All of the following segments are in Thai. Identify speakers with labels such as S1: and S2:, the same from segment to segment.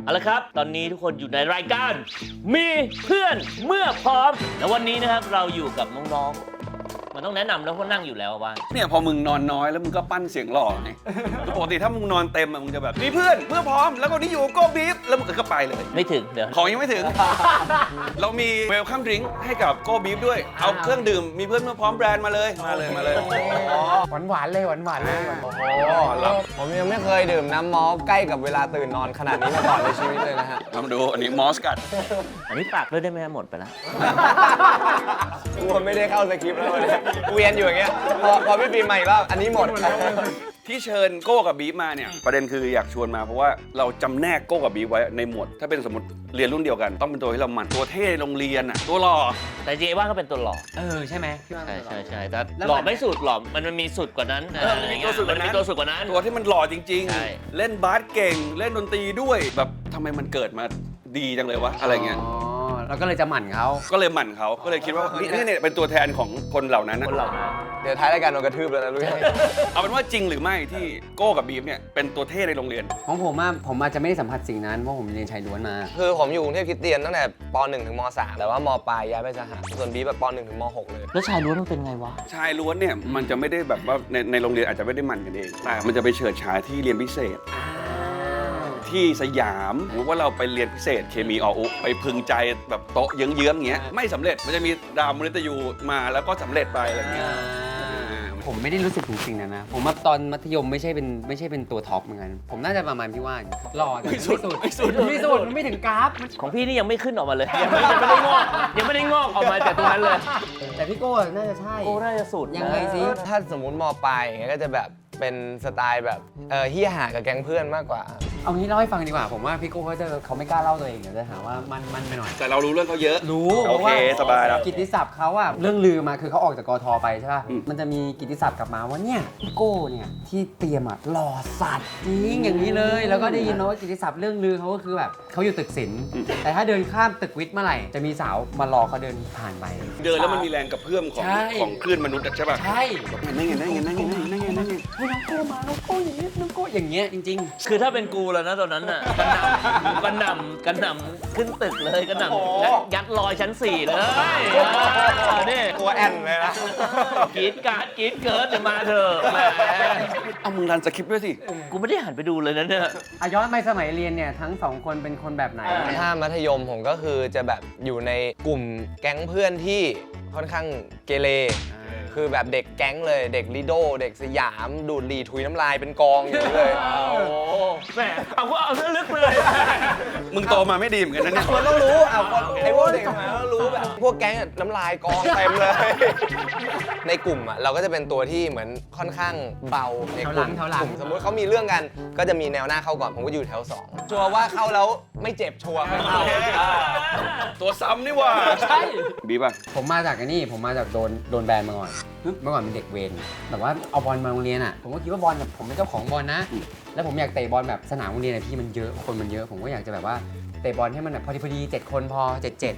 S1: เอาละครับตอนนี้ทุกคนอยู่ในรายการมีเพื่อนเมื่อพร้อมแล้ววันนี้นะครับเราอยู่กับน้องๆมันต้องแนะนำแล้วเพราะนั่งอยู่แล้วว่า
S2: เนี่ยพอมึงนอนน้อยแล้วมึงก็ปั้นเสียงหล่อไงปกติถ้ามึงนอนเต็มมึงจะแบบมีเพื่อนเพื่อพร้อมแล้วก็นี่อยู่โก้บีฟแล้วมึงก็ไปเลย
S1: ไม่ถึงเดี๋ยว
S2: ของยังไม่ถึง เรามีเวลคัมดริงก์ให้กับโก้บีฟด้วยเอาเครื่องดื่มมีเพื่อนเมื่อพร้อมแบรนด์มาเลยมาเลย
S3: หวานเลยหวานเลย
S4: โอ้โหผมยังไม่เคยดื่มน้ำมอลใกล้กับเวลาตื่นนอนขนาดนี้มาก่อนในชีวิตเลยนะฮะ
S2: ลองดูอันนี้มอสกัด
S1: อันนี้ปากด้วยได้ไหมหมดไปแล้ว
S4: กูไม่ได้เข้าสคริปต์แล้วเลยเวียนอยู่อย่างเงี้ยพอพี่ปีใหม่แล้วอันนี้หมด
S2: ที่เชิญโก้กับบีฟมาเนี่ยประเด็นคืออยากชวนมาเพราะว่าเราจำแนกโก้กับบีฟไว้ในหมวดถ้าเป็นสมมติเรียนรุ่นเดียวกันต้องเป็นตัวที่เราหมั่นตัวเท่โรงเรียนอ่ะตัวหล่อ
S1: แต่เจว่าก็เป็นตัวหล่อ
S3: ใช่ไหม
S1: ใช่แต่หล่อไม่สุดหล่อมันมีสุดกว่านั้น
S2: มีตัวสุดกว่านั้นตัวที่มันหล่อจริงๆเล่นบาสเก่งเล่นดนตรีด้วยแบบทำไมมันเกิดมาดีจังเลยวะอะไรเงี้ย
S3: เราก็เลยจะหมั่นเขา
S2: ก็เลยคิดว่านี่เป็นตัวแทนของคนเหล่านั้น
S4: เดี๋ยวท้ายรายการโดนกระทืบแล้วนะลูก
S2: เอาเป็นว่าจริงหรือไม่ที่โก้กับบีฟเนี่ยเป็นตัวเท่ในโรงเรียน
S3: ของผมอาจจะไม่ได้สัมผัสสิ่งนั้นเพราะผมเรียนชายล้วนมา
S4: คือผมอยู่กรุงเทพคริสเตียนตั้งแต่ป .1 ถึงม .3 แต่ว่ามปลายย้ายไปสหส่วนบีแบบป .1 ถึงม .6 เลย
S1: แล้วชายล้วนมันเป็นไงวะ
S2: ชายล้วนเนี่ยมันจะไม่ได้แบบว่าในโรงเรียนอาจจะไม่ได้มันกันเองแต่มันจะไปเฉิดฉายที่เรียนพิเศษที่สยามหรือว่าเราไปเรียนพิเศษเคมีออุไปพึงใจแบบโต๊ะเยื้องๆเงี้ยไม่สำเร็จมันจะมีดาวมฤตยูมาแล้วก็สำเร็จไปอะไรเงี้ย
S3: ผมไม่ได้รู้สึกถึงสิ่งนั้นนะผมว่าตอนมัธยมไม่ใช่เป็นตัวท็อปเหมือนกันผมน่าจะประมาณพี่ว่าหล่อแต่ไม่สุดมันไม่ถึงกราฟ
S1: ของพี่นี่ยังไม่ขึ้นออกมาเลยยังไม่ได้งอกออกมาจากตรงนั้นเลย
S3: แต่พี่โก้น่าจะใช่
S1: โก้น่าจะสุด
S3: ยังไงสิ
S4: ถ้าสมมุติมปลายอย่างเงี้ยก็จะแบบเป็นสไตล์แบบเฮียหากับแก๊งเพื่อนมากกว่า
S3: เอางี้เล่าให้ฟังดีกว่าผมว่าพี่โก้เขาไม่กล้าเล่าตัวเองเดี๋ยวจะหาว่ามันไปหน่อย
S2: แต่เรารู้เรื่องเขาเยอะ
S3: รู้
S2: โอเคสบายแล้ว
S3: กิตติศัพท์เขาอะเรื่องลือมาคือเขาออกจากกทไปใช่ป่ะมันจะมีกิตติศัพท์กลับมาว่าเนี่ยพี่โก้เนี่ยที่เตรียมอะหล่อสัตว์จริงอย่างนี้เลยแล้วก็ได้ยินมาว่ากิตติศัพท์เรื่องลือเขาก็คือแบบเขาอยู่ตึกศิลป์แต่ถ้าเดินข้ามตึกวิทย์เมื่อไหร่จะมีสาวมารอเขาเดินผ่านไป
S2: เดินแล้วมันมีแรงกระเพื่อมของคลื่นมนุษย์ใช่ป่ะ
S3: ใช่
S2: นั่งไง
S3: น้องโก้มาน้องโก้อย่างเงี้ยจริง
S1: ๆคือถ้าเป็นกูแล้วนะตอนนั้นน่ะกระหน่ำขึ้นตึกเลยกระหน่ำยัดลอยชั้น4เลยนี่
S4: ตัวแอนเลยนะ
S1: กรี๊ดเกิดจะมาเถอะแหม
S2: เอามึงรันสคริปต์ด้วยสิ
S1: กูไม่ได้หันไปดูเลยนะเนี่ย
S3: ย้อนไปสมัยเรียนเนี่ยทั้งสองคนเป็นคนแบบไหน
S4: ถ้ามัธยมผมก็คือจะแบบอยู่ในกลุ่มแก๊งเพื่อนที่ค่อนข้างเกเรคือแบบเด็กแก๊งเลยเด็กลิโดเด็กสยามดูดหลีถุยน้ำลายเป็นกองอยู่เลย
S1: โอ้แหมเอาลึกเลย
S2: มึงโตมาไม่ดีเหมือนกันนะเนี่ย
S4: มันต้องรู้ไอ้พวกเด็กมาต้องรู้แบบพวกแก๊งน้ำลายกองเต็มเลยในกลุ่มอ่ะเราก็จะเป็นตัวที่เหมือนค่อนข้างเบาในกลุ่มสมมติเขามีเรื่องกันก็จะมีแนวหน้าเข้าก่อนผมก็อยู่แถว2ชัวร์ว่าเข้าแล้วไม่เจ็บชัวร์ไม่เข้า
S2: ตัวซ้ำนี่ว่า
S3: ใช่
S2: บีป่ะ
S3: ผมมาจากผมมาจากโดนแบนมาก่อนเมื่อก่อนเป็นเด็กเวรแบบว่าเอาบอลมาโรงเรียนอ่ะผมก็คิดว่าบอลแบบผมเป็นเจ้าของบอลนะแล้วผมอยากเตะบอลแบบสนามโรงเรียนพี่มันเยอะคนมันเยอะผมก็อยากจะแบบว่าเตะบอลให้มันแบบพอดี7คนพอ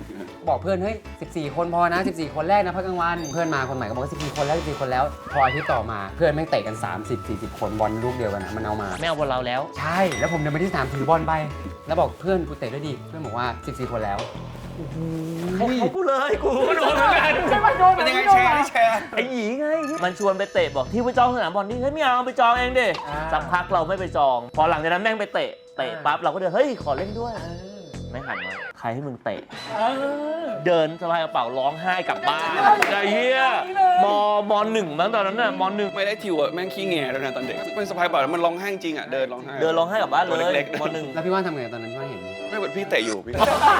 S3: 7บอกเพื่อนเฮ้ย14คนพอนะ14คนแรกนะพักกลางวันเพื่อนมาคนใหม่ก็บอกว่า14คนแล้ว14คนแล้วพออาทิตย์ต่อมาเพื่อนแม่งเตะกัน30-40คนบอลลูกเดียวกันนะมันเอามา
S1: ไม่เอาบอลเราแล้ว
S3: ใช่แล้วผมเดินไปที่สนามถือบอลไปแล้วบอกเพื่อนกูเตะด้วยดิเพื่อนบอกว่า14คนแล้ว
S1: เขากูเลยกูโดนเหมือนกัน
S2: เป็นยังไงแชร์
S1: ไอ้หยีไงมันชวนไปเตะบอกที่ไปจองสนามบอลนี่เฮ้ยไม่เอาไปจองเองดิสักพักเราไม่ไปจองพอหลังจากนั้นแม่งไปเตะปั๊บเราก็เดินเฮ้ยขอเล่นด้วยไม่หันมาใครให้มึงเตะเดินสะพายกระเป๋าร้องไห้กลับบ้านไอ้เหี้ยม.1 มั้งตอนนั้นน่ะม.1
S2: ไม่ได้ทิวอ่ะแม่งขี้แง่แล้วนะตอนเด็กเป็นสะพายกระเป๋ามันร้องไห้จริงอ่ะเดินร้องไ
S1: ห้กลับบ้านเลยม
S3: .1 แล้วพี่ว่านทำไงตอนนั้นพี่ว่านเห็น
S2: ไม่เหมือนพี่เตะอยู่พี่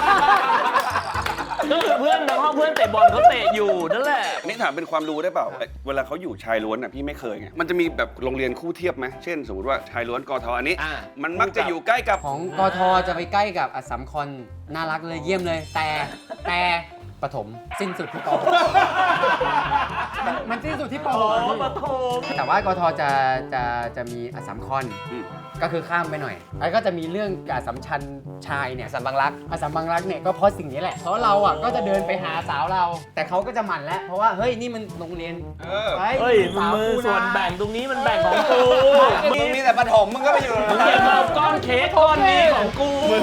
S1: ก็คือเพื่อนในห้องเพื่อนเตะบอลเขาเตะอยู่นั่นแหละ
S2: นี่ถามเป็นความรู้ได้เปล่าเวลาเขาอยู่ชายล้วนอ่ะพี่ไม่เคยไงมันจะมีแบบโรงเรียนคู่เทียบไหมเช่นสมมติว่าชายล้วนกทอันนี้มันมักจะอยู่ใกล้กับ
S3: ของกทจะไปใกล้กับอัสสัมคอนน่ารักเลยเยี่ยมเลยแต่ประถมสิ้นสุดที่ป.มันสิ้นสุดที่ป.
S1: ประถม
S3: แต่ว่ากทจะมีอัสสัมคอนก็คือข้ามไปหน่อยแล้วก็จะมีเรื่องอัสสัมชัญชายเนี่ย
S4: อัสสัมบังรัก
S3: เนี่ยก็เพราะสิ่งนี้แหละเพราะเราอ่ะก็จะเดินไปหาสาวเราแต่เขาก็จะหมั่นแล้วเพราะว่าเฮ้ยนี่มันโรงเรียน
S1: เฮ้ยมือส่วนแบ่งตรงนี้มันแบ่งของกู
S4: มึงมีแต่ประถมมึงก็ไปอยู่
S1: มึงอย่ามาก้อนเค้กก้อนนี้ของกู
S2: มึงไม่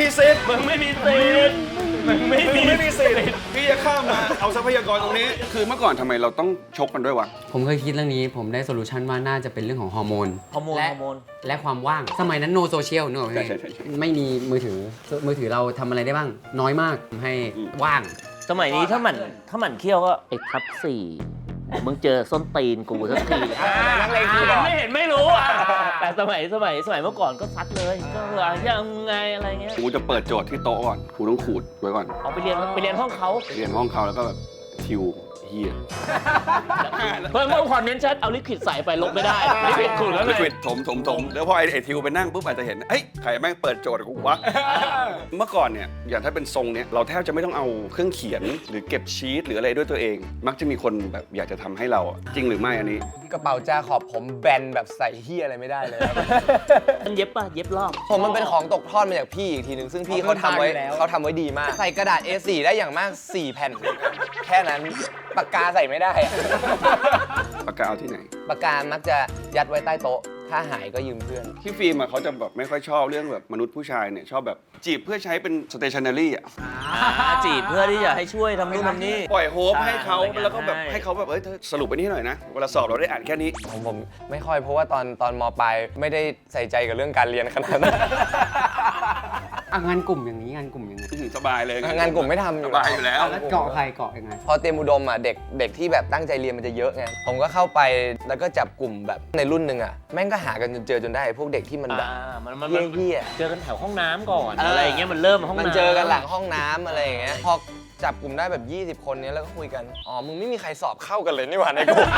S2: สิทธิ์
S1: มึงไม่มีสิทธิ์มึงไม่มี
S2: สิทธิ์พี่จะข้ามมาเอาทรัพยากรตรงนี้ คือเมื่อก่อนทำไมเราต้องชกกันด้วยวะ
S3: ผมเคยคิดเรื่องนี้ผมได้โซลูชันว่าน่าจะเป็นเรื่องของฮอร์โมน
S1: ฮอร์โมน
S3: และ
S1: ฮอร์โมน
S3: และความว่างสมัยนั้นโนโซเชียลเนอะ
S2: ใช่
S3: ไม่มีมือถือเราทำอะไรได้บ้าง น้อยมากทำให้ว่าง
S1: สมัยนี้ถ้ามันเคี้ยวก็ไอ้ทับสี่มึงเจอส้นตีนกูสักที
S4: นักเลงคีย์บอร์ด
S1: ไม่เห็นไม่รู้อ่ะแต่สมัยเมื่อก่อนก็ซัดเลยก็ยังไงอะไรเงี้ย
S2: กูจะเปิดโจทย์ที่โต๊ะก่อนกูต้องขูดไว้ก่อน
S1: เอาไปเรียนห้องเขา
S2: เรียนห้องเขาแล้วก็แบบทิวเฮีย
S1: เพิ่มความเน้นชัดเอาลิควิดใส่ไปลบไม่ได้ลิควิดขูดแล้ว
S2: ลิ
S1: ไง
S2: ควิดถมแล้วพอไอ้ทิวไปนั่งปุ๊บอาจจะเห็นเฮ้ยใครแม่งเปิดโจทย์กูวะ เมื่อก่อนเนี่ยอย่างถ้าเป็นทรงเนี่ยเราแทบจะไม่ต้องเอาเครื่องเขียนหรือเก็บชีตหรืออะไรด้วยตัวเอง มักจะมีคนแบบอยากจะทำให้เราอะจริงหรือไม่อันนี้
S4: กระเป๋าจาขอบผมแบนแบบใส่เฮียอะไรไม่ได้เลยครับ
S1: มันเย็บป่ะเย็บรอบ
S4: ผมมันเป็นของตกทอดมาจากพี่อีกทีหนึ่งซึ่งพี่เขาทำไว้ดีมาก ใส่กระดาษ A4 ได้อย่างมาก 4 แผ่น แค่นั้นปากกาใส่ไม่ได้อะ
S2: ปากกาเอาที่ไหน
S4: ปากกามักจะยัดไว้ใต้โต๊ะ ถ้าหายก็ยืมเพื่อน
S2: ที่ฟิล์มอะเขาจะแบบไม่ค่อยชอบเรื่องแบบมนุษย์ผู้ชายเนี่ยชอบแบบจีบเพื่อใช้เป็น stationery อ่ะ
S1: จีบเพื่อที่จะให้ช่วยทำนู่นทำนี่
S2: ปล่อยโฮปให้เขา
S1: อะไรเงี้ย
S2: แล้วก็แบบ
S1: ใช่
S2: ให้เขาแบบเอ้ยเธอสรุปไปนี่หน่อยนะเวลาสอบเราได้อ่านแค่นี้
S4: ผมไม่ค่อยเพราะว่าตอนมปลายไม่ได้ใส่ใจกับเรื่องการเรียนขนาดนั้น
S3: งานกลุ่มอย่างนี้งานกลุ่มยังไง
S2: สบายเลย
S4: งานกลุ่มไม่ทำ
S2: สบายอยู่แล้ว
S3: แล้วเกาะใครเกาะยังไง
S4: พอเตรียมอุดมอ่ะเด็กที่แบบตั้งใจเรียนมันจะเยอะไงผมก็เข้าไปแล้วก็จับกลุ่มแบบในรุ่นหนึ่งอ่ะแม่งก็หากันจนเจอจนได้พวกเด็กที่มันแบบ
S1: มัน
S4: เหี้ย
S1: เจอกันแถวห้องน้ำก่อนอะไรอย่างเงี้ยมันเริ่มห้อง
S4: มัน
S1: น้ำ
S4: เจอกันหลังห้องน้ำอะไรอย่างเงี้ยพอจับกลุ่มได้แบบ 20 คนเนี้ยแล้วก็คุยกันอ๋อมึงไม่มีใครสอบเข้ากันเลยนี่หว่าในกลุ่ม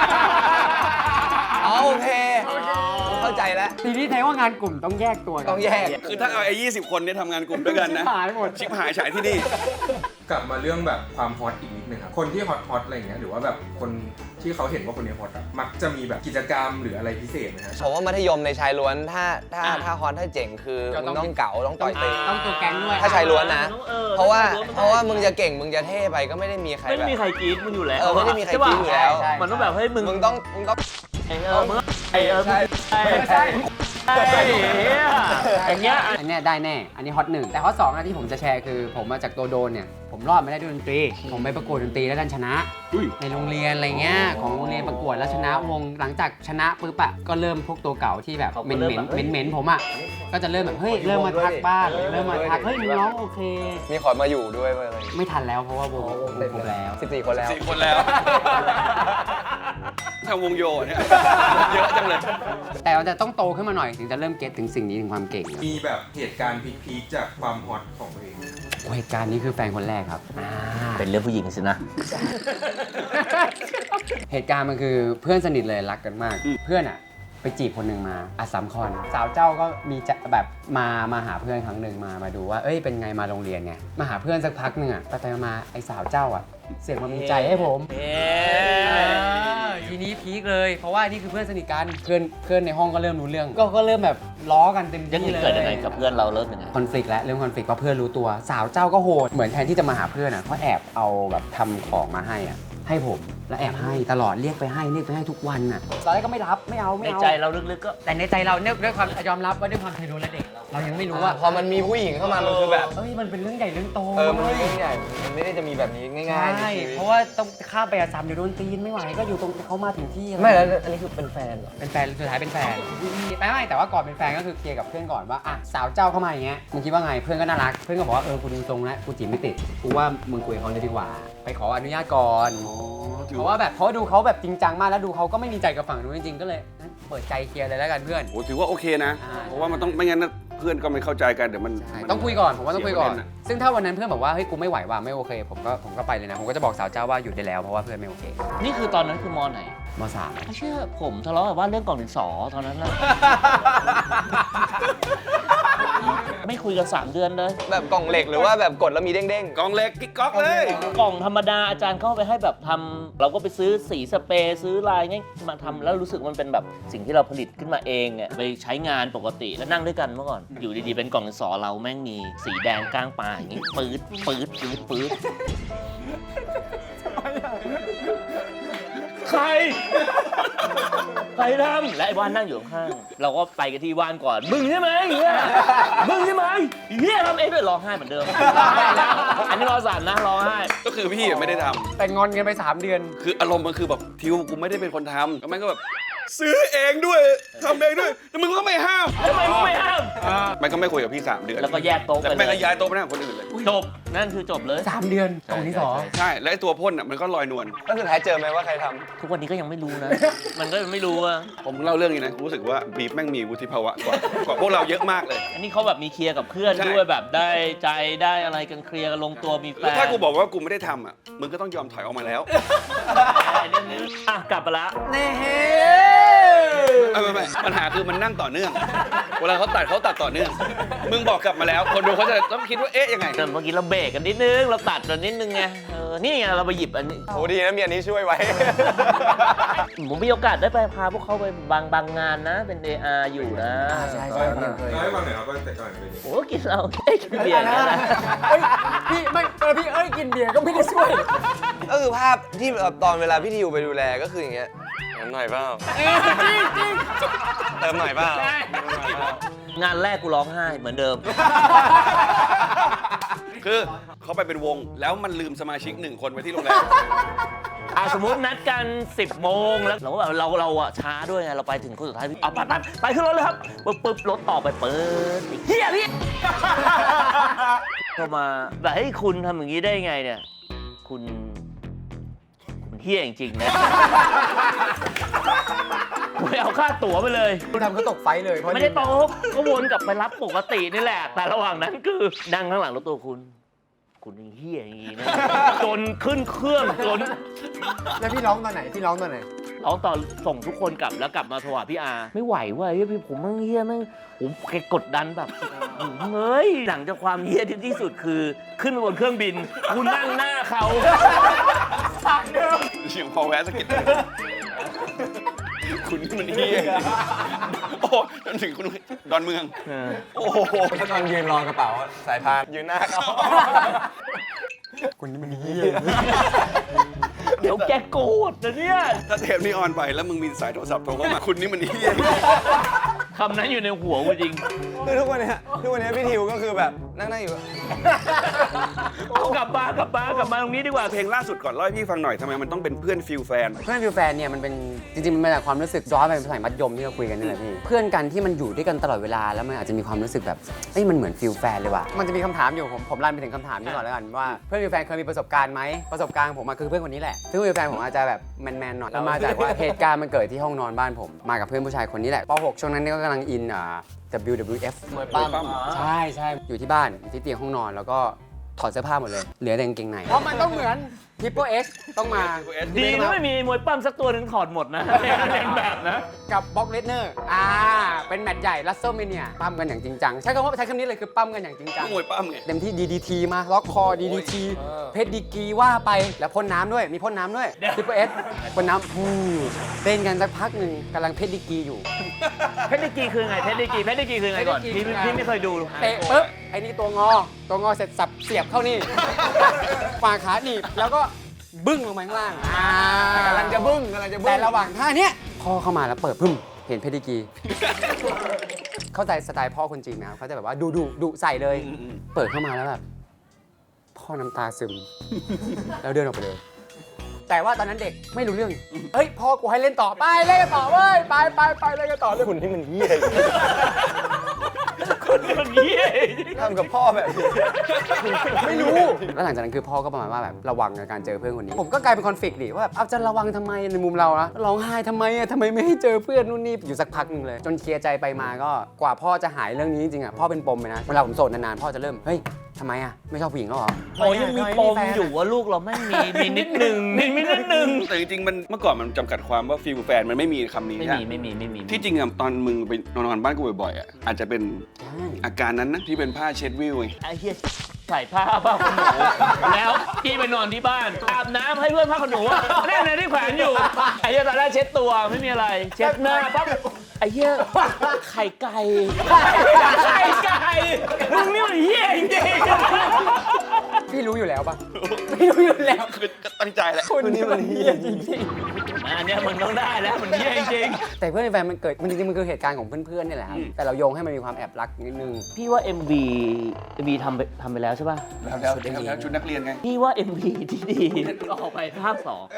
S4: อ๋อโอเคเข้าใจแล้ว
S3: ทีนี้แทนว่างานกลุ่มต้องแยกตัวกัน
S4: ต้องแยก
S2: คือถ้าเอาไอ้20 คนเนี่ยทำงานกลุ่มด้วยกันนะ
S3: หายหมด
S2: ชิบหายฉายที่นี่
S5: กลับมาเรื่องแบบความฮอตอีกนิดนึงครับคนที่ฮอตอะไรอย่างเงี้ยหรือว่าแบบคนที่เขาเห็นว่าคนนี้ฮอตอะมักจะมีแบบกิจกรรมหรืออะไรพิเศษไหมฮะ
S4: ผมว่ามัธยมในชายล้วนถ้าฮอนถ้าเจ๋งคือมึงต้องเก๋าต้องต่อยตี
S3: ต้องตัวแก๊งด้วย
S4: ถ้าชายล้วนนะ เพราะว่า
S1: ถ้ชยล้น
S4: เพราะว่ามึงจะเก่งมึงจะเท่ไปก็ไม่ได้มีใคร
S1: ไม่
S4: แบบ
S1: มีใครกรี๊ดมึงอยู่แล้ว
S4: ไม่ได้มีใครกรี๊ดอยู่แล้ว
S3: ใช่
S1: มันต้องแบบเฮ้ยมึง
S4: มึงต้อง
S1: มึงมึงใช่อย่างเงี้ย
S3: อันเนี้ยได้แน่ อันนี้ฮอตหนึ่งแต่ฮอตสองที่ผมจะแชร์คือผมมาจากตัวโดนเนี่ยผมรอดไม่ได้ด้วยดนตรีผมไปประกวดดนตรีแล้วดันชนะ
S2: อุ้ย
S3: ในโรงเรียนอะไรเงี้ยของโรงเรียนประกวดแล้วชนะวงหลังจากชนะปุ๊บอะก็เริ่มพวกตัวเก่าที่แบบ
S1: เขา
S3: เห
S1: ก็
S3: ม็น
S1: เริ่ม
S3: เหม็น
S1: แบบ
S3: เหม็นผมอะก็จะเริ่มแบบเฮ้ยเริ่มมาทักบ้างเริ่มมาทักเฮ้ยมึงร้องโอเค
S4: มีขอมาอยู่ด้วยอะไร
S3: ไม่ทันแล้วเพราะว่าวงครบแล้ว
S4: 14 คนแล้ว
S2: 4 คนแล้วทางวงโยเนี่ย เยอะจังเลย
S3: แต่มันจะต้องโตขึ้นมาหน่อยถึงจะเริ่มเก็ตถึงสิ่งนี้ถึงความเก่งอะ
S5: มีแบบเหตุการณ์พีคๆจากความฮอตของตัวเองไหม
S3: โอ้เหตุการณ์นี้คือแฟนคนแรกครับ
S1: เป็นเรื่องผู้หญิงสินะ
S3: เหตุการณ์มันคือเพื่อนสนิทเลยรักกันมาก เพื่อนอะไปจีบคนหนึ่งมาอัสสัมคอนสาวเจ้าก็มีจะแบบมาหาเพื่อนครั้งหนึ่งมาดูว่าเอ้ยเป็นไงมาโรงเรียนไงมาหาเพื่อนสักพักหนึ่งอะไปมาไอ้สาวเจ้าอะเสียงมันมีใจให้ผมทีนี้พีคเลยเพราะว่านี่คือเพื่อนสนิทกันเพื่อนในห้องก็เริ่มรู้เรื่องก็เริ่มแบบล้อกันเต็ม
S1: ยัง
S3: ที่เลย
S1: เกิดยังไงกับเพื่อนเราเริ่มยังไง
S3: คอนฟ lict แล้วเรื่องคอนฟ lict เพราะเพื่อนรู้ตัวสาวเจ้าก็โหดเหมือนแทนที่จะมาหาเพื่อนอ่ะเขาแอบเอาแบบทำของมาให้อ่ะให้ผมแล้วแอบให้ตลอดเรียกไปให้ทุกวันอ่ะตอนแรกก็ไม่รับไม่เอา
S1: ในใจเราลึกๆก็
S3: แต่ในใจเราเนี่ยด้วยความยอมรับว่าด้วยความเคยโดนและเด็กเรายังไม่รู้ว่า
S4: พอมันมีผู้หญิงเข้ามามันคือแบบ
S3: เอ้ยมันเป็นเรื่องใหญ่เรื่องโต
S4: มันไม่ใหญ่มันไม่ได้จะมีแบบนี้ง่ายๆใน
S3: ใช่
S4: ชีวิต
S3: เพราะว่าต้องข้ามไปอาสามเดี๋ยวโดนตีนไม่ไหวก็อยู่ตรงเขามาถึงที่
S4: ไม่แล้วอันนี้คือเป็นแฟนเหรอ
S3: เป็นแฟนสุดท้ายเป็นแฟนไม่แต่ว่าก่อนเป็นแฟนก็คือเคลียร์กับเพื่อนก่อนว่าอ่ะสาวเจ้าเข้ามาอย่างเงี้ยมึงคิดว่าไงเพื่อนก็น่ารักเพื่อนก็บอกว่ากูดูทรงแล้วกูจีบไม่ติดกูว่ามึงคุยกับเขาเลยดีกว่า ไปขออนุญาตก่อนเพราะว่าแบบเพราะดูเขาแบบจริงจังมากแล้วดูเขาก็ไม่มีใจกับฝั่งนู้นจริงๆก็เลยงั้นเปิดใจเคลียร์เลยแล้วกันเพื่อน
S2: โอ้ถือว่าโอเคนะ
S3: อ่า
S2: เพราะว่ามันต้องไม่งั้นนะเพื่อนก็ไม่เข้าใจกันเดี๋ยวมัน
S3: ใช่
S2: มัน
S3: ต้องคุยก่อนผมว่าต้องคุยก่อน
S2: เสียประเด็นอะ
S3: ซึ่งถ้าวันนั้นเพื่อนบอกว่าเฮ้ยกูไม่ไหวว่ะไม่โอเคผมก็ไปเลยนะผมก็จะบอกสาวเจ้าว่าหยุดได้แล้วเพราะว่าเพื่อนไม่โอเค
S1: นี่คือตอนนั้นคือมอไหน
S3: มสาม
S1: ไม่เชื่อผมทะเลาะกับว่าเรื่องกล่องดินสอตอนนั้นนะ ไม่คุยกัน3 เดือนเลย
S4: แบบกล่องเหล็กหรือว่าแบบกดแล้วมีเด้ง
S2: กองเล็กกิ๊กก๊อกเลย
S1: กล่องธรรมดาอาจารย์เข้าไปให้แบบทำเราก็ไปซื้อสีสเปรย์ซื้อลายเงี้ยมาทำแล้วรู้สึกมันเป็นแบบสิ่งที่เราผลิตขึ้นมาเองเนี่ยไปใช้งานปกติแล้วนั่งด้วยกันเมื่อก่อนอยู่ดีๆเป็นกล่องดินสอเราแม่งมีสีแดงก้างปลาอย่างงี้ปื๊ดใครทำและไอ้ว่านนั่งอยู่ข้างๆเราก็ไปกันที่ว่านก่อนมึงใช่ไหมเฮียมึงใช่ไหมเฮียทำเองด้วยร้องไห้เหมือนเดิมอันนี้รอสั่นนะร้องไห้
S2: ก็คือพี่ไม่ได้ทำ
S3: แต่งอนกันไป3 เดือน
S2: คืออารมณ์มันคือแบบทิวกูไม่ได้เป็นคนทำแล้วมันก็แบบซื้อเองด้วยทำเองด้วยแต่มึงก็ไม่ห้าม
S1: ทำไมมึงไม่ห้าม
S2: มันก็ไม่คุยกับพี่3 เดือน
S1: แล้วก็แยกโต๊ะ
S2: แล้ว
S1: ไป
S2: แม่ง
S1: เล
S2: ก็
S1: ย
S2: ย้ายโต๊ะไปนั่งกับคนอื่นเลย
S1: จบนั่นคือจบเลย
S3: 3 เดือนกล่องที่สอง
S2: ใช่แล้วไอ้ตัวพ่นอ่ะมันก็ลอยนวล
S4: แล้วสุดท้ายเจอไหมว่าใครทำ
S1: ทุกวันนี้ก็ยังไม่รู้นะ มันก็ไม่รู้อะ
S2: ผมเล่าเรื่องนี้นะรู้สึกว่าบีฟแม่งมีวุฒิภาวะกว่าพวกเราเยอะมากเลย
S1: อันนี้เขาแบบมีเคลียร์กับเพื่อน
S2: ใช่
S1: ด้วยแบบได้ใจได้อะไรกันเคลียร์กันลงตัวมีแฟ
S2: แล้ว
S1: น
S2: ถ้ากูบอกว่ากูไม่ได้ทำอ่ะมึงก็ต้องยอมถอยออกมาแล้ว
S1: อ่ะกลับมาละ
S2: ไม่ปัญหาคือมันนั่งต่อเนื่อง เวลาเขาตัดต่อเนื่อง มึงบอกกลับมาแล้ว คนดูเขาจะต้องคิดว่าเอ๊ะยังไง
S1: เมื่อกี้เราเบรกกันนิดนึงเราตัดกันนิดนึงไงนี่ไงเราไปหยิบอันนี้
S4: โหดีนะมีอันนี้ช่วยไว้
S1: ผมมีโอกาสได้ไปพาพวกเขาไปบางงานนะ เป็น AR อยู่นะ
S3: ใช่
S5: เล่าให้ฟังหน่อยครับว่าแต่ก่อนเป็นยังไง
S1: โอ้กินเรากินเบียร์อย่างนั้นนะ
S3: เฮ้ยพี่ไม่พี่กินเบียร์ก็ไม่ได้ช่วย
S4: ก็คือภาพที่ตอนเวลาพี่ทิวไปดูแลก็คืออย่างเงี้ยเติมหน่อยเปล่าเติมหน่อยเปล่า
S1: งานแรกกูร้องไห้เหมือนเดิม
S2: คือเขาไปเป็นวงแล้วมันลืมสมาชิก1 คนไว้ที่โรงแรม
S1: สมมตินัดกัน 10 โมงแล้วเราก็แบบเราอะช้าด้วยไงเราไปถึงคนสุดท้ายพี่ไปขึ้นรถเลยครับปึ๊บรถต่อไปเปิดเฮียพี่เข้ามาแบบให้ยคุณทำอย่างนี้ได้ไงเนี่ยคุณเฮียจริงๆนะไม่เอาค่าตั๋วไปเลย
S3: คุณทำเขาตกไฟเลยเพราะ
S1: ไม่ได้ตกก็วนกลับไปรับปกตินี่แหละ แต่ระหว่างนั้นคือนั่งข้างหลังรถตัวคุณยังเฮี้ยอย่างนี้นะจนขึ้นเครื่องจน
S3: แล้วพี่ร้องตอนไหน
S1: ร้องตอนส่งทุกคนกลับแล้วกลับมาโทรหาพี่อาไม่ไหวว่ะพี่ผมมั่งเฮี้ยมั่งผมแกกดดันแบบเฮ้ยหลังจากความเฮี้ยที่สุดคือขึ้นไปบนเครื่องบินคุณนั่งหน้าเขา
S2: เสียงพอแวะสะกิดคุณนี่มันเฮียโอ้จนถึงคุณดอนเมือง โอ้โห
S4: ก็ตอนยืนรอกระเป๋าสายพานยืนหน้าเขา
S3: คุณนี่มันเฮี้ย
S1: เดี๋ยวแกโกรธนะเนี่ย
S2: ถ้าเทปนี้ออนไปแล้วมึงมีสายโทรศัพท์โทรเข้ามาคุณนี่มันเฮีย
S1: คำนั้นอยู่ในหัวกูจริง
S4: คือทุกวันเนี้ยพี่ทิวก็คือแบบนั่งอยู่
S1: เอากลับมตรงนี้ดีกว่า
S2: เพลงล่าสุดก่อนเล่าให้พี่ฟังหน่อยทำไมมันต้องเป็นเพื่อนฟิลแฟน
S3: เพื่อนฟิวแฟนเนี่ยมันเป็นจริงๆมันมาจากความรู้สึกย้อนไปสมัยมัธยมที่เราคุยกันนี่แหละพี่เพื่อนกันที่มันอยู่ด้วยกันตลอดเวลาแล้วมันอาจจะมีความรู้สึกแบบเอ้ยมันเหมือนฟิลแฟนเลยว่ะมันจะมีคำถามอยู่ผมรันไปถึงคำถามนี้ก่อนแล้วกันว่าเพื่อนฟิวแฟนเคยมีประสบการณ์ไหมประสบการณ์ของผมมาคือเพื่อนคนนี้แหละซึ่งฟิวแฟนผมอาจจะแบบแมนๆหน่อยมาจากว่าเหตุการณ์มันเกิดที่ห้องนอนบ้านผมมากับเพื่อนผู้ชายคนนี้แหละป .6 ช่วงนั้นเนี่ยก็กำลังอินWWF
S4: มวยปั้ม
S3: ใช่อยู่ที่บ้านอยู่ที่เตียงห้องนอนแล้วก็ถอดเสื้อผ้าหมดเลยเหลือแต่กางเกงในเพราะมันต้องเหมือน Triple H ต้องมา
S1: ดีนะไม่มีมวยปั้มสักตัวหนึ่งถอดหมดนะเล่นแบบนะ
S3: กับบ็อกเลสเนอร์เป็นแมตช์ใหญ่รัสเซลเมเนียปั้มกันอย่างจริงจังใช้คำนี้เลยคือปั้มกันอย่างจริงจัง
S2: มวยปั้มไง
S3: เต็มที่ DDT มาล็อกคอ DDT เพชรดีกรีว่าไปแล้วพ่นน้ำด้วยมีพ่นน้ำด้วย Triple H พ่นน้ำเต้นกันสักพักหนึ่งกำลังเพชรดีกรีอยู่
S1: เพชรดีกรีคือไงเพชรดีกรีคือไงก่อน
S3: เพชรดีกรี
S1: พี่ไม่เคยดู
S3: เตะปุ๊บไอ้นี่ตัวงอเสร็จสับเสียบเข้านี่ ฝ่าขาหนีบแล้วก็บึ้งลงมาข้างล่างกำลังจะบึ้งแต่ระหว่างท่าเนี้ยพ่อเข้ามาแล้วเปิดพึ่มเห็นเพชรดีกรี เข้าใจสไตล์พ่อคนจีนนะครับเขาจะแบบว่าดุใส่เลย เปิดเข้ามาแล้วแบบพ่อน้ำตาซึม แล้วเดินออกไปเลย แต่ว่าตอนนั้นเด็กไม่รู้เรื่องเฮ้ยพ่อกูให้เล่นต่อไปเล่นกันต่อเว้ยไปเล่นกันต่อเลย
S4: คุณที่มันเหี้ย
S1: คนนี้
S4: ทำกับพ่อแบบนี้
S3: ไม่รู้ แล้วหลังจากนั้นคือพ่อก็ประมาณว่าแบบระวังในการเจอเพื่อนคนนี้ ผมก็กลายเป็นคอนฟ lict ดิว่าแบบเอาจะระวังทำไมในมุมเรานะร้องไห้ทำไมทำไมไม่ให้เจอเพื่อนนู่นนี่อยู่สักพักหนึ่งเลย จนเคลียร์ใจไปมาก็กว่าพ่อจะหายเรื่องนี้จริงๆอ่ะพ่อเป็นปมไปนะเวลาผมโสดนานๆพ่อจะเริ่มเฮ้ยทำไมอ่ะไม่ชอบผู้หญิงแล้วเหรอ
S1: โอ้ยังมีปมอยู่ว่าลูกเราไม่มีนิดนึงมีนิดนึง
S2: แต่จริงๆมันเมื่อก่อนมันจำกัดความว่าฟิลแฟนมันไม่มีคำนี้
S1: ไม่
S2: ใช่
S1: มี
S2: ที่จริงอะตอนมึงไปนอนบ้านกูบ่อยๆอะอาจจะเป็นอาการนั้นนะที่เป็นผ้าเช็ดวิวไง
S1: ไอ้เหี้ยใส่ผ้าขนหนูแล้วพี่ไปนอนที่บ้านอาบน้ำให้เพื่อนผ้าขนหนูแน่นที่แขวนอยู่ไอ้เหี้ยตอนแรกเช็ดตัวไม่มีอะไร เช็ดหน้าปั๊บไอ้เหี้ยไข่ไก่มึงนี่มันเหี้ยจริง
S3: พี่รู้รู้อยู่แล้วปะไม่รู้อยู่แล้ว
S2: คือก็ตั้งใจแหละ
S3: คนนี้มันเฮี้ยจริง
S1: อันเนี้ยมึงต้องได้แล้วมันเยี่ยจริง
S3: ๆแต่เพื่อนในแฟนมันเกิดมันจริงๆมันคือเหตุการณ์ของเพื่อนๆนี่แหละครับแต่เราโยงให้มันมีความแอบรักนิดนึง
S1: ๆพี่ว่า MV ทำไปแล้วใช่ป่ะ
S2: แล้วชุดนักเรียนไง
S1: พี่ว่า MV ที่ดีก็ออกไปภาค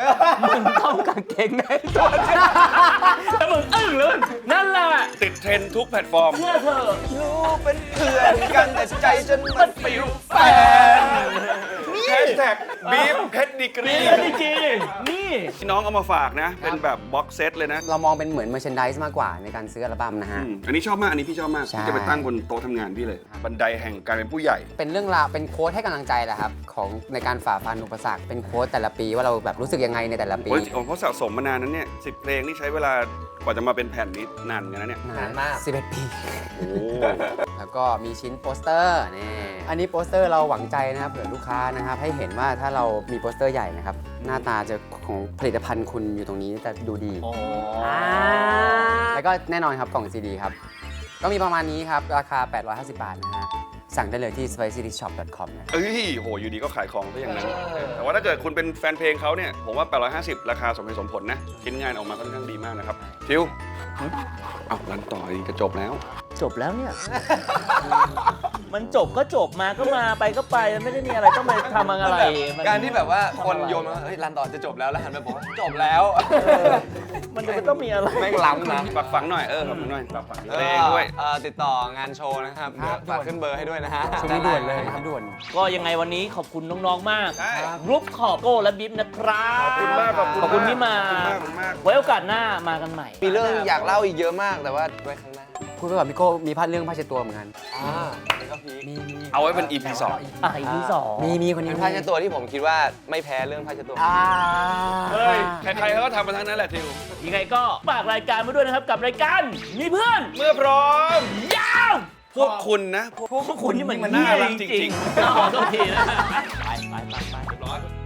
S1: 2มึงต้องกางเกงในตัวแล้วมึงอึ้งเลยนั่นแหละ
S2: ติดเทรนด์ทุกแพลตฟอร์ม
S1: เชื่อเธอ
S4: รู้เป็นเพื่อนกันแต่ใจฉันมันฟิลแฟน
S2: แฮชแท็กบีฟเพชรดีกรี
S1: นี่จริงนี่
S2: ที่น้องเอามาฝากนะ เป็นแบบบ็อกเซตเลยนะ
S3: เรามองเป็นเหมือน merchandise มากกว่าในการซื้ออัลบั้มนะฮะ
S2: อันนี้ชอบมาก อันนี้พี่ชอบมาก
S3: ใช่
S2: พี่จะไปตั้งบนโต๊ะทำงานพี่เลย บันไดแห่งการเป็นผู้ใหญ่
S3: เป็นเรื่องราวเป็นโค้ดให้กำลังใจแหละครับของในการฝ่าฟันอุปสรรคเป็นโค้ดแต่ละปีว่าเราแบบรู้สึกยังไงในแต่ละปี
S2: โอ้ยเขาสะสมมานานนั้นเนี่ย10 เพลงนี่ใช้เวลากว่าจะมาเป็นแผ่นนี้นานเหมือนกันนะเนี่ย
S4: นานมาก
S3: 11 ปี
S2: โอ้
S3: แล้วก็มีชิ้นโปสเตอร์นี่อันนี้โปสเตอร์เราหวังใจนะครับเผื่อลูกค้านะครับให้เห็นว่าถ้าเรามีโปสเตอร์ใหญ่นะครับหน้าตาจะของผลิตภัณฑ์คุณอยู่ตรงนี้จะดูดี แล้วก็แน่นอนครับกล่องซีดีครับก็มีประมาณนี้ครับราคา 850 บาทนะฮะสั่งได้เลยที่ spicyshop.com นะ
S2: เอ้ยโหอยู่ดีก็ขายของซะอย่างนั้น แต่ว่าถ้าเกิดคุณเป็นแฟนเพลงเขาเนี่ย ผมว่า 850 ราคาสมเหตุสมผลนะ ชิ้นงานออกมาค่อนข้างดีมากนะครับ ทิวเอารันต่ออีกจะจบแล้ว
S1: จบแล้วเนี่ย มันจบก็จบมาก็มาไปก็ไปไม่ได้มีอะไรต้องไปทำอะไรมัน
S4: การที่แบบว่าคนโยนมาเฮ้ยรันต่อจะจบแล้วแล้วหันไปบอกว่าจบแล้ว
S1: มันจะไม่ต้องมีอะไร
S4: แม่งล้ำนะ
S2: ฝากฝังหน่อย ฝากฝังหน่อยฝากฝังเพลงด้วย
S4: ติดต่องานโชว์นะครับ
S3: ครับ
S4: ฝากขึ้นเบอร์ให้ด้วยนะฮะ
S3: ช่วงนี้ด่วนเลยครับด่วน
S1: ก็ยังไงวันนี้ขอบคุณน้องๆมาก
S2: ใช่
S1: รูปขอบโก้และบิ๊บนะครับ
S2: ขอบคุณมาก
S1: ขอบคุณที่มา
S2: ขอบคุณมากขอบคุณมาก
S1: ไว้โอกาสหน้ามากันใหม่
S4: มีเรื่องอยากเล่าอีกเยอะมากแต่ว่าไว้ข้างหน้า
S3: คุยไปกับพี่โก้มีพาดเรื่องผ้าเช็ดตัวเหมือนกัน
S4: นี่ก็พีค
S3: มี
S2: เอาไว้เป็น EP 2
S1: อีพีสอง
S3: มีคนนี้
S4: เป็นผ้าเช็ดตัวที่ผมคิดว่าไม่แพ้เรื่องผ้าเช็ดตัว
S2: เฮ้ย ใครๆเขาก็ทำมาทั้งนั้นแหละทิว
S1: ยังไงก็ฝากรายการมาด้วยนะครับกับรายการมีเพื่อน
S2: เมื่อพร้อม
S1: ยาว
S2: พวกคุณนะ
S1: พวกคุณนี่มัน
S2: น่ารักจริงๆ
S1: ๆขอโทษทีนะไปเรียบร้อย